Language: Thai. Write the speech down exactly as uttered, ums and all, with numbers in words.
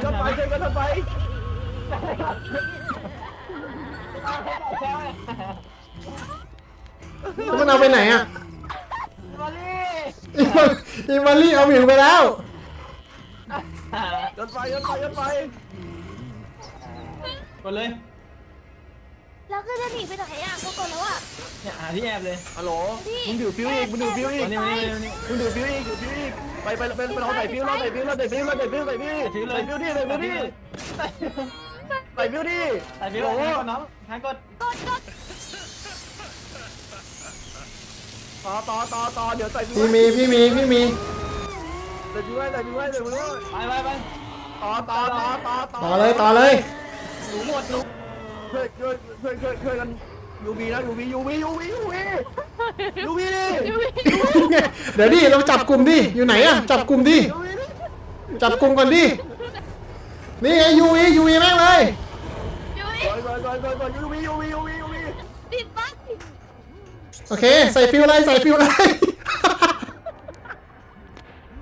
ถไฟช่วยกันรถไฟแล้วมันเอาไปไหนอ่ะมาลี่อีมารี่เอาหมิวไปแล้วรถไฟรถไฟรถไฟกดเลยแล้วก็จะหนีไปไหนอ่ะก็กดแล้วอ่ะเนี่ยหาที่แอบเลยฮัลโหลมึงถือฟิวอีกมึงถือฟิวอีกมานี่มานี่มานี่มึงถือฟิวอีกถือฟิวอีกไปไปไปไปเราใส่ฟิวเราใส่ฟิวเราใส่ฟิวเราใส่ฟิวใส่ฟิวใส่ฟิวดิใส่ฟิวดิใส่ฟิวดิใส่ฟิวดิใส่ฟิวโอ้แทโหงกดน้องแทงกดกดกดต่อต่อต่อต่อเดี๋ยวใส่ฟิวพี่มีพี่มีพี่มีใส่ฟิวไว้ใส่ฟิวไว้ใส่ฟิวไว้ไปไปไปต่อต่อต่อต่อต่อเลยต่อเลยหนูหมดหนูช่วยช่วยช่วยช่วยช่วยกันยูบีนะยูบียูบียูบียูบียูบีดิเดี๋ยวดิเราจับกลุ่มดิอยู่ไหนอ่ะจับกลุ่มดิยูบีดิจับกลุ่มก่อนดินี่ไงยูวียูวีแม่งเลยยุ้ยก่อนก่อนก่อนก่อนก่อนยูบียูบียูบียูบีปิดปั๊บโอเคใส่ฟิวเลยใส่ฟิวเลย